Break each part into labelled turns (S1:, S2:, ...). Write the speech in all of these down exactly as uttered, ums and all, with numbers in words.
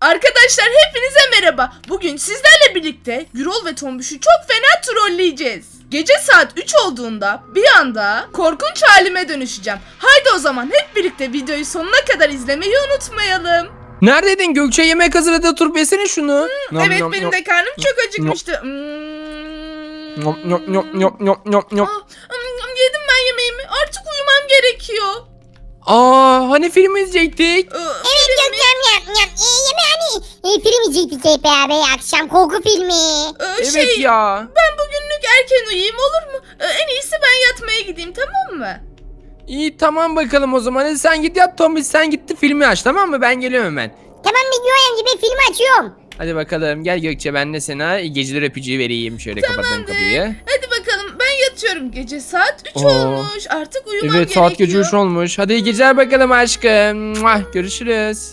S1: Arkadaşlar hepinize merhaba. Bugün sizlerle birlikte Gürol ve Tombiş'i çok fena trolleyeceğiz. Gece saat üç olduğunda bir anda korkunç halime dönüşeceğim. Haydi o zaman hep birlikte videoyu sonuna kadar izlemeyi unutmayalım.
S2: Neredeydin Gökçe? Yemek hazırladı, oturup yesene şunu.
S1: Hmm,
S2: Nom,
S1: evet
S2: nom,
S1: benim
S2: nom.
S1: de karnım çok acıkmıştı. Hmm.
S2: Nom, nom, nom, nom, nom, nom, nom.
S1: Aa, hmm, yedim ben yemeğimi. Artık uyumam gerekiyor.
S2: Aa, hani film izleyecektik?
S1: Ee,
S3: Evet Gökçem yap yap. E, yeme hani e, film izleyecektik hep beraber akşam korku filmi.
S1: e,
S2: Evet
S1: şey,
S2: ya.
S1: ben bugünlük erken uyuyayım olur mu? Ee, en iyisi ben yatmaya gideyim, tamam mı?
S2: İyi tamam bakalım o zaman. Hadi sen git yat, Tombiş sen gitti filmi aç, tamam mı? Ben geliyorum hemen.
S3: Tamam videoya gibi film açıyorum.
S2: Hadi bakalım gel Gökçe, ben de sana iyi geceler öpücüğü vereyim. Şöyle kapattım kapıyı.
S1: Hadi bakalım, ben yatıyorum. Gece saat üç
S2: Oo.
S1: olmuş. Artık uyumam
S2: Evet
S1: gerekiyor.
S2: saat gece üç olmuş. Hadi iyi geceler bakalım aşkım. Muah, görüşürüz.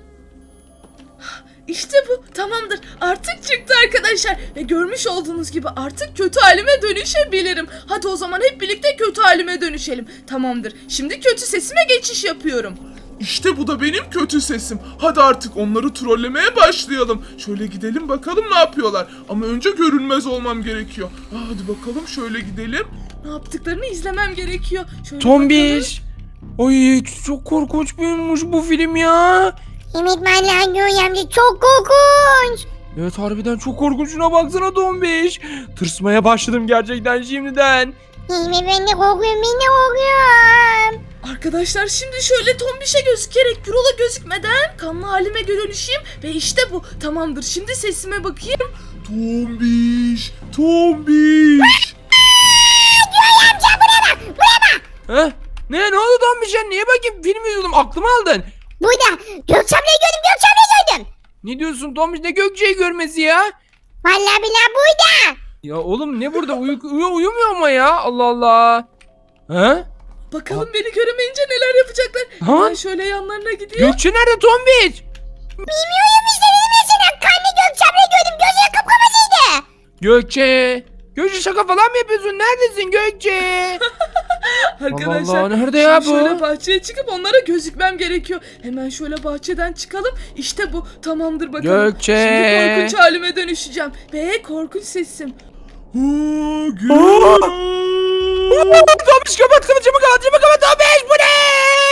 S1: İşte bu, tamamdır. Artık çıktı arkadaşlar. Ve görmüş olduğunuz gibi artık kötü halime dönüşebilirim. Hadi o zaman hep birlikte kötü halime dönüşelim. Tamamdır. Şimdi kötü sesime geçiş yapıyorum.
S4: İşte bu da benim kötü sesim. Hadi artık onları trollemeye başlayalım. Şöyle gidelim bakalım ne yapıyorlar. Ama önce görünmez olmam gerekiyor. Aa, hadi bakalım şöyle gidelim.
S1: Ne yaptıklarını izlemem gerekiyor. Şöyle
S2: Tombiş. Oy çok korkunç büyümüş bu film ya.
S3: Evet vallahi Gökçem amca çok korkunç.
S2: Evet harbiden çok korkunç, şuna baksana Tombiş. Tırsmaya başladım gerçekten şimdiden.
S3: Evet ben de korkuyorum ben de korkuyorum.
S1: Arkadaşlar şimdi şöyle Tombiş'e gözükerek Gürol'a gözükmeden kanlı halime dönüşeyim. Ve işte bu. Tamamdır. Şimdi sesime bakayım.
S4: Tombiş, tombiş.
S3: Gökçem amca buraya bak buraya bak.
S2: He? Ne ne oldu Tombiş ya? Niye bakayım film izliyordum, aklımı aldın.
S3: Burada Gökçem'le gördüm Gökçem'le gördüm.
S2: Ne diyorsun Tombiş, ne Gökçe'yi görmesi ya?
S3: Vallahi billahi burada.
S2: Ya oğlum ne burada, uyu, uyu, uyumuyor ama ya, Allah Allah. He?
S1: Bakalım beni göremeyince neler yapacaklar.
S2: Ha?
S1: Ben şöyle yanlarına gideyim.
S2: Gökçe nerede Tombiş?
S3: Bilmiyorum işte dedim ya sana. Kanlı Gökçem'le gördüm gözleri kıpkırmızıydı.
S2: Gökçe. Gökçe şaka falan mı yapıyorsun? Neredesin Gökçe?
S1: Arkadaşlar
S2: Allah Allah, nerede ya
S1: şimdi
S2: bu?
S1: şöyle bahçeye çıkıp onlara gözükmem gerekiyor. Hemen şöyle bahçeden çıkalım. İşte bu. Tamamdır bakalım.
S2: Gökçe.
S1: Şimdi korkunç halime dönüşeceğim. Ve korkunç sesim.
S4: Aa, geliyorum.
S2: Tombiş kapat kapat, camı kapat, camı kapat Tombiş, bu ne?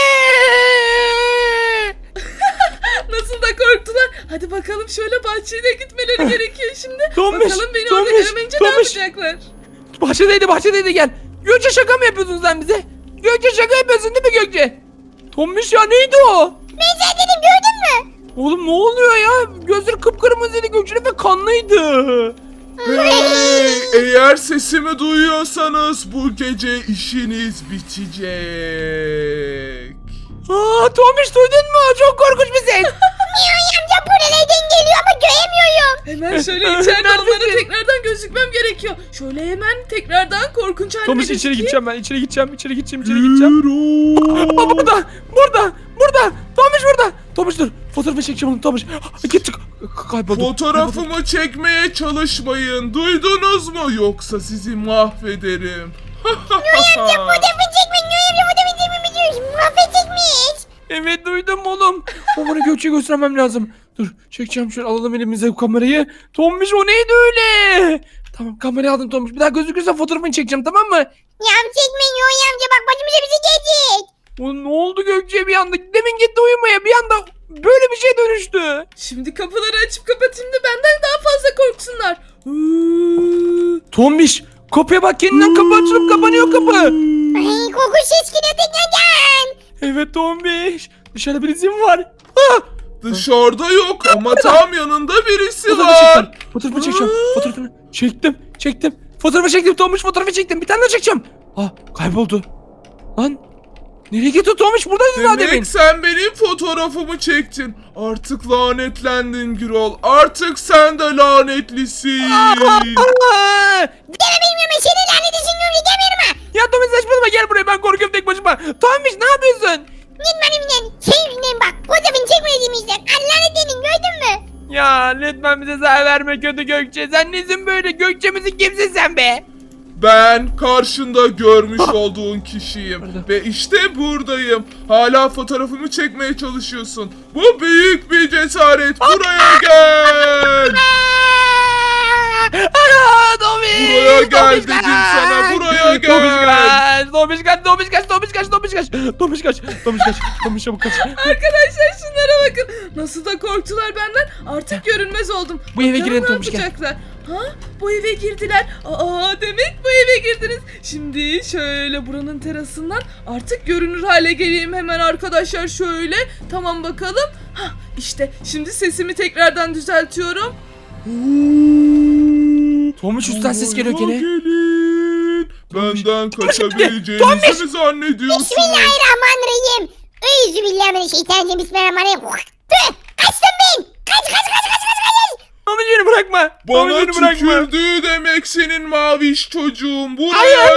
S1: Nasıl da korktular. Hadi bakalım şöyle bahçeye de gitmeleri gerekiyor şimdi.
S2: Tombiş,
S1: Bakalım beni orada
S2: Tombiş,
S1: göremeyince
S2: Tombiş.
S1: ne yapacaklar?
S2: Bahçedeydi bahçedeydi, gel. Gökçe şaka mı yapıyorsun sen bize? Gökçe şaka yapıyorsun değil mi Gökçe? Tombiş ya, neydi o?
S3: Ben sen dedim gördün mü?
S2: Oğlum ne oluyor ya? Gözleri kıpkırmızıydı Gökçe'nin ve kanlıydı.
S4: Hey, eğer sesimi duyuyorsanız bu gece işiniz bitecek.
S2: Aa, Tombiş duydun mu? Çok korkunç bir ses.
S3: Gökçem amca bu nereden geliyor ama göremiyorum.
S1: Hemen şöyle içeride onlara
S2: Neredesin?
S1: tekrardan gözükmem gerekiyor. Şöyle hemen tekrardan korkunç halime
S2: Tombiş içeri
S1: gözükeyim.
S2: gideceğim ben. İçeri gideceğim. İçeri gideceğim. İçeri gideceğim.
S4: Gürol.
S2: Aa, burada. Burada. Burada. Tombiş burada. Tombiş dur. Fotoğrafı çekeceğim onu Tombiş. Git çık. Kayboldu.
S4: Fotoğrafımı çekmeye çalışmayın. Duydunuz mu? Yoksa sizi mahvederim.
S3: Fotoğrafı çekme Gökçem fotoğrafı çekme diyorsun. Mahvedecekmiş.
S2: Evet duydum oğlum. O bana Gökçe'yi göstermem lazım. Dur çekeceğim, şöyle alalım elimize bu kamerayı. Tombiş o neydi öyle? Tamam kamerayı aldım Tombiş. Bir daha gözükürse fotoğrafını çekeceğim, tamam mı?
S3: Ya çekme Gökçem amca bak başımıza bir şey gelecek.
S2: O, ne oldu Gökçe'ye bir anda? Demin gitti uyumaya, bir anda böyle bir şey dönüştü.
S1: Şimdi kapıları açıp kapatayım da benden daha fazla korksunlar. Hıı.
S2: Tombiş kapıya bak, kendinden kapı açılıp kapanıyor kapı.
S3: Ay korkunç ses geliyor tekrardan.
S2: Evet Tombiş. Dışarıda birisi mi var? Ah!
S4: Dışarıda yok ama tam yanında birisi
S2: Fotoğrafı
S4: var.
S2: çektim. Fotoğrafı çekeceğim. Fotoğrafını çektim. Çektim. Fotoğrafı çektim Tombiş, fotoğrafı çektim. Bir tane daha çekeceğim. Ah kayboldu. Lan nereye gitti Tombiş? Buradaydı daha demin.
S4: Demek sen benim fotoğrafımı çektin. Artık lanetlendin Gürol. Artık sen de lanetlisin.
S2: Aa!
S3: Deme benim yanıma seni lanet etsin Gökçem demiyorum ha.
S2: Ya Tombiş saçmalama, gel buraya, ben korkuyorum tek başıma. Tombiş ne yapıyorsun?
S3: Git benimle. Şey yüzünden bak fotoğrafını çekmediğimizden. Lanet edin gördün mü?
S2: Ya lütfen bize zarar verme kötü Gökçe. Sen nesin böyle? Gökçe misin, kimsin sen be?
S4: Ben karşında görmüş olduğun kişiyim.
S2: Nerede?
S4: Ve işte buradayım. Hala fotoğrafımı çekmeye çalışıyorsun. Bu büyük bir cesaret. Buraya gel.
S2: Aa, Tomiş!
S4: Buraya gel
S2: Tomiş,
S4: dedim
S2: kaç!
S4: sana, buraya gel.
S2: Tomiş kaç! Tomiş kaç! Tomiş kaç! Tomiş kaç! Tomiş kaç! Tomiş kaç! Tomiş kaç! Tomiş çabuk kaç!
S1: Arkadaşlar şunlara bakın. Nasıl da korktular benden. Artık görünmez oldum.
S2: Bu eve
S1: Bakalım
S2: girelim
S1: ne
S2: Tomuş, gel.
S1: yapacaklar? Ha? Bu eve girdiler. Aa demek bu eve girdiniz. Şimdi şöyle buranın terasından artık görünür hale geleyim hemen arkadaşlar şöyle. Tamam bakalım. Ha işte şimdi sesimi tekrardan düzeltiyorum.
S2: Tomiş üstten ses geliyor
S4: Buraya
S2: gene.
S4: gelin. Benden
S2: Tomiş!
S4: kaçabileceğinizi mi zannediyorsunuz?
S3: Bismillahirrahmanirrahim. Euzubillahimineşşeytanirracim. Bismillahirrahmanirrahim. Tüh! Kaçtım ben. Kaç kaç kaç kaç kaç kaç.
S2: Tomiş beni bırakma. Tomiş
S4: Bana
S2: beni bırakma.
S4: tükürdü demek senin maviş çocuğum. Buraya
S2: Hayır,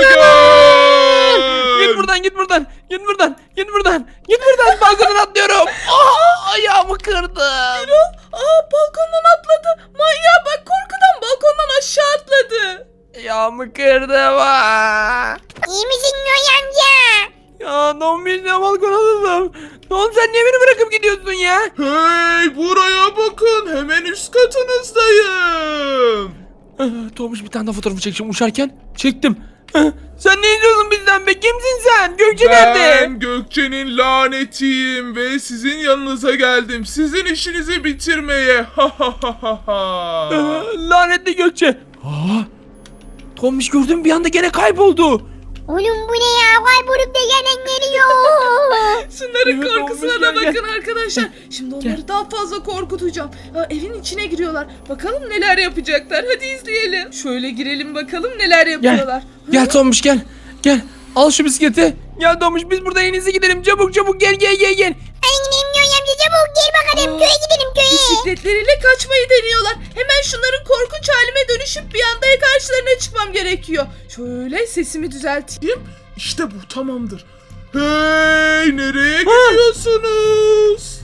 S4: gel.
S2: Git buradan git buradan. Git buradan. Git buradan. Git buradan. Balkondan atlıyorum. Aa, ayağımı kırdı.
S1: Aa balkondan atladı. Manyağa bak korkudan balkondan aşağı atladı.
S2: Ayağımı kırdı. Aa.
S3: İyi misin Noy amca?
S2: Ya Tomiş ne balkona atladım. Oğlum sen niye beni bırakıp gidiyorsun ya?
S4: Hey buraya bakın. Hemen üst katınızdayım.
S2: Ah, Tomiş bir tane daha fotoğrafı çekeceğim uçarken. Çektim. Ah, Sen ne izliyorsun bizden be? Kimsin sen? Gökçe nerede?
S4: Ben Gökçe'nin lanetiyim ve sizin yanınıza geldim. Sizin işinizi bitirmeye. Ha ha ha ha ha.
S2: Ah, Lanetli Gökçe. Aa, Tomiş gördüm bir anda gene kayboldu.
S3: Oğlum bu ne ya? Kaybolup da gelen geliyor.
S1: Şunların
S2: Evet,
S1: korkusuna
S2: olmuş,
S1: da
S2: gel, gel.
S1: bakın arkadaşlar. Şimdi onları
S2: Gel.
S1: daha fazla korkutacağım. Ha, evin içine giriyorlar. Bakalım neler yapacaklar. Hadi izleyelim. Şöyle girelim bakalım neler yapıyorlar.
S2: Gel Tomiş gel. Gel. Al şu bisikleti. Gel Tomiş biz burada en iyisi gidelim. Çabuk çabuk gel gel gel gel.
S3: Hadi gidelim Noy amca çabuk gel bakalım.
S1: Aa.
S3: Köye gidelim köye.
S1: Bisikletleriyle kaçmayı deniyorlar. Hemen şunların korkunç halime dönüşüp bir anda karşılarına çıkmam gerekiyor. Şöyle sesimi düzelteyim.
S4: İşte bu tamamdır. Hey nereye gidiyorsunuz?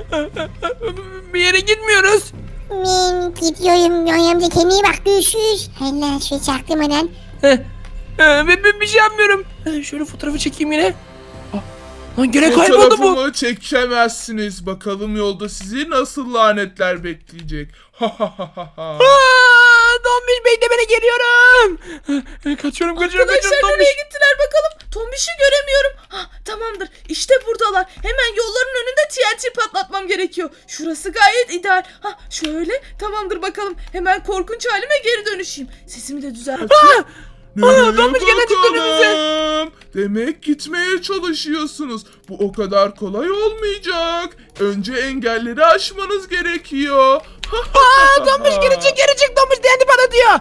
S2: Bir yere gitmiyoruz.
S3: Ben gidiyorum Noy amca kendine bak görüşürüz. Allah şu çaktırmadan.
S2: Heh. Ee, ben, ben bir şey yapmıyorum. Ee, şöyle fotoğrafı çekeyim yine. Aa, lan gene kayboldu bu.
S4: Fotoğrafımı çekemezsiniz. Bakalım yolda sizi nasıl lanetler bekleyecek. Ha ha ha ha ha.
S2: Aa, Tomiş bekle beni geliyorum. Ee, Kaçıyorum kaçıyorum
S1: Arkadaşlar
S2: kaçıyorum
S1: nereye
S2: Tomiş.
S1: gittiler bakalım. Tombiş'i göremiyorum. Ha, tamamdır. İşte buradalar. Hemen yolların önünde T N T patlatmam gerekiyor. Şurası gayet ideal. Ha, şöyle. Tamamdır bakalım. Hemen korkunç halime geri dönüşeyim. Sesimi de düzelteyim.
S4: Nereye
S2: Tomiş gene çıktı
S4: bakalım? Demek gitmeye çalışıyorsunuz. Bu o kadar kolay olmayacak. Önce engelleri aşmanız gerekiyor.
S2: Aa, Tomiş geri çık geri çık Tomiş diyendi bana diyor.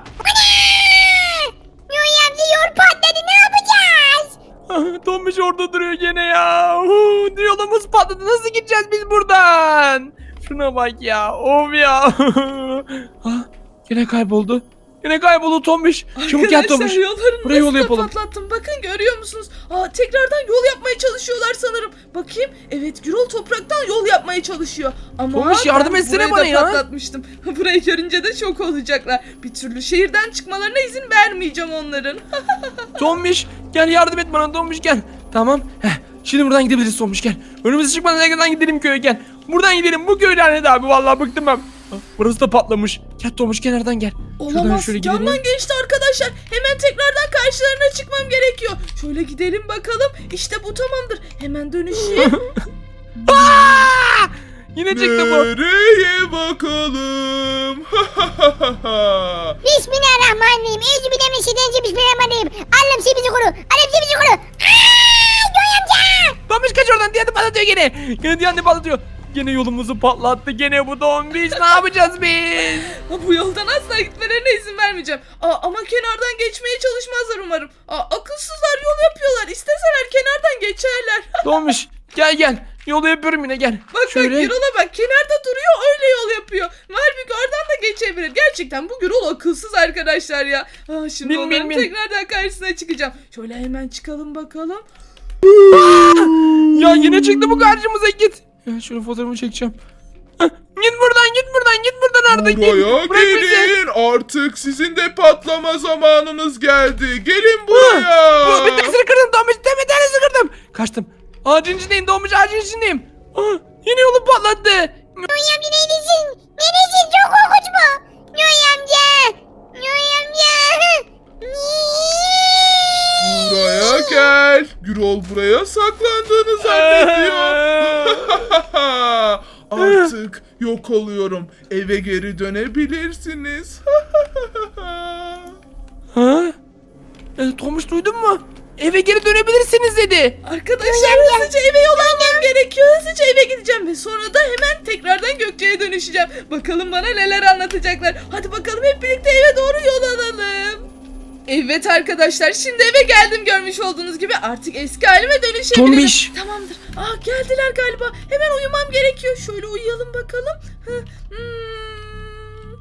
S3: Noy amca yol patladı ne yapacağız?
S2: Ah, Tomiş orada duruyor gene ya. Huu, yolumuz patladı nasıl gideceğiz biz buradan? Şuna bak ya of ya. Ah, yine kayboldu. Yine kayboldu Tomiş. Çabuk gel Tomiş.
S1: Arkadaşlar yolların
S2: Buraya yol
S1: nasıl da
S2: yapalım.
S1: patlattım. Bakın görüyor musunuz? Aa, tekrardan yol yapmaya çalışıyorlar sanırım. Bakayım. Evet Gürol topraktan yol yapmaya çalışıyor. Ama
S2: Tomiş, yardım
S1: ben
S2: etsene
S1: burayı
S2: bana
S1: da
S2: ya.
S1: patlatmıştım. Burayı görünce de şok olacaklar. Bir türlü şehirden çıkmalarına izin vermeyeceğim onların.
S2: Tomiş gel yardım et bana Tomiş gel. Tamam. Heh, şimdi buradan gidebiliriz Tomiş gel. Önümüze çıkmadan nereden gidelim köye gel. Buradan gidelim bu köy lanet abi vallahi bıktım ben. Ah, burası da patlamış. Gel Tomiş kenardan gel. Şuradan
S1: Olamaz.
S2: şöyle gidelim.
S1: Yandan geçti arkadaşlar. Hemen tekrardan karşılarına çıkmam gerekiyor. Şöyle gidelim bakalım. İşte bu tamamdır. Hemen dönüşeyim.
S2: Aa! Yine çıktı bu.
S4: Nereye bakalım?
S3: Bismillahirrahmanirrahim. Euzubillahimineşşeytanirracim. Bismillahirrahmanirrahim. Allah'ım sen bizi koru. Allah'ım sen bizi koru. Aaa! Noy amca.
S2: Tomiş kaç oradan diye patlatıyor gene. Gene diye patlatıyor. Gene yolumuzu patlattı. Gene bu Tomiş. Ne yapacağız biz?
S1: Ha, bu yoldan asla gitmelerine izin vermeyeceğim. Aa, ama kenardan geçmeye çalışmazlar umarım. Aa, akılsızlar yol yapıyorlar. İsteseler kenardan geçerler.
S2: Tomiş gel gel. Yolu yapıyorum yine gel.
S1: Bak
S2: Şöyle.
S1: bak Gürol'a bak kenarda duruyor öyle yol yapıyor. Halbuki oradan da geçebilir. Gerçekten bu Gürol akılsız arkadaşlar ya. Aa, şimdi
S2: Bin,
S1: onların
S2: bin, bin.
S1: tekrardan karşısına çıkacağım. Şöyle hemen çıkalım bakalım.
S2: Ya yine çıktı bu karşımıza git. Ya şöyle fotoğrafımı çekeceğim. Hah, git buradan git buradan git buradan artık
S4: Buraya
S2: git. Bırak bizi.
S4: gelin. artık sizin de patlama zamanınız geldi. Gelin buraya.
S2: Bu, bir tanesini kırdım Tomuş. Bir tanesini kırdım. Kaçtım. Ağacın içindeyim Tomuş, ağacın içindeyim. Aa, yine yolu patlattı.
S3: Noy amca neredesin? Neredesin? Çok korkunç bu. Noy amca. Noy amca.
S4: Buraya gel. Gürol buraya saklandığını zannediyor. Artık yok oluyorum. Eve geri dönebilirsiniz.
S2: Ha? E, Tomuş duydun mu? Eve geri dönebilirsiniz dedi.
S1: Arkadaşlar hızlıca eve yol almam gerekiyor. Hızlıca eve gideceğim ve sonra da hemen tekrardan Gökçe'ye dönüşeceğim. Bakalım bana neler anlatacaklar. Hadi bakalım hep birlikte eve doğru yol alalım. Evet arkadaşlar, şimdi eve geldim, görmüş olduğunuz gibi artık eski halime dönüşebilirim.
S2: Tombiş.
S1: Tamamdır. Aa, geldiler galiba. Hemen uyumam gerekiyor. Şöyle uyuyalım bakalım. Hı, hmm,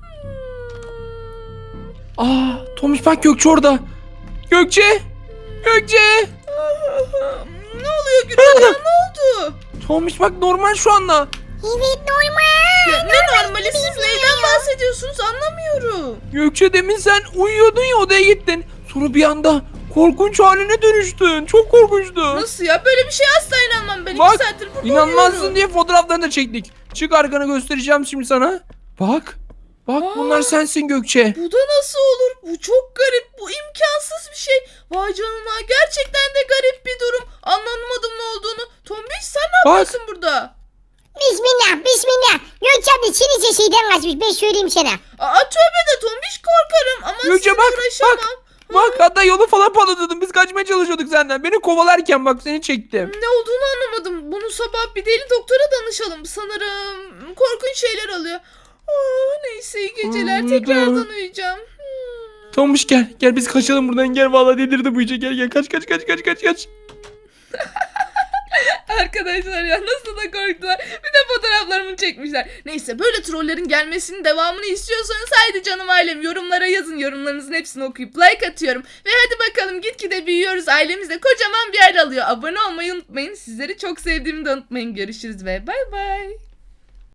S1: hmm.
S2: Aa, Tomuş bak Gökçe orada. Gökçe. Gökçe.
S1: Ah, ne oluyor Gürol ya, ne oldu?
S2: Tomuş bak normal şu anda.
S3: Evet normal.
S1: Ya, ne normali, siz neyden bahsediyorsunuz anlamıyorum.
S2: Gökçe demin sen uyuyordun ya, odaya gittin. Sonra bir anda korkunç haline dönüştün. Çok korkunçtu.
S1: Nasıl ya, böyle bir şey asla inanmam ben.
S2: Bak,
S1: İki saattir burada
S2: İnanmazsın
S1: uyuyorum.
S2: diye fotoğraflarını da çektik. Çık arkanı, göstereceğim şimdi sana. Bak. Bak
S1: Aa.
S2: bunlar sensin Gökçe.
S1: Bu da nasıl olur? Bu çok garip. Bu imkansız bir şey. Vay canına, gerçekten de garip bir durum. Anlamadım ne olduğunu. Tombiş, sen ne
S2: Bak.
S1: yapıyorsun burada?
S3: Bismillah bismillah. Gökçe abla Çin'in şeyden kaçmış ben söyleyeyim sana.
S1: Aa, tövbe de Tombiş, korkarım ama
S2: Gökçe
S1: sizinle
S2: bak,
S1: uğraşamam.
S2: bak. Bak hatta yolu falan patlatıyordum. Biz kaçmaya çalışıyorduk senden. Beni kovalarken bak seni çektim.
S1: Ne olduğunu anlamadım. Bunu sabah bir deli doktora danışalım. Sanırım korkunç şeyler alıyor. Aa, neyse, iyi geceler.
S2: Aa,
S1: Tekrardan uyuyacağım. Hmm.
S2: Tomuş gel. Gel biz kaçalım buradan. Gel vallahi delirdi bu iyice. Gel gel kaç kaç kaç kaç kaç kaç.
S1: Arkadaşlar ya, nasıl da korktular. Bir de fotoğraflarımı çekmişler. Neyse, böyle trollerin gelmesinin devamını istiyorsanız haydi canım ailem, yorumlara yazın. Yorumlarınızın hepsini okuyup like atıyorum. Ve hadi bakalım, gitgide büyüyoruz. Ailemiz de kocaman bir yer alıyor. Abone olmayı unutmayın. Sizleri çok sevdiğimi de unutmayın. Görüşürüz ve bay bay.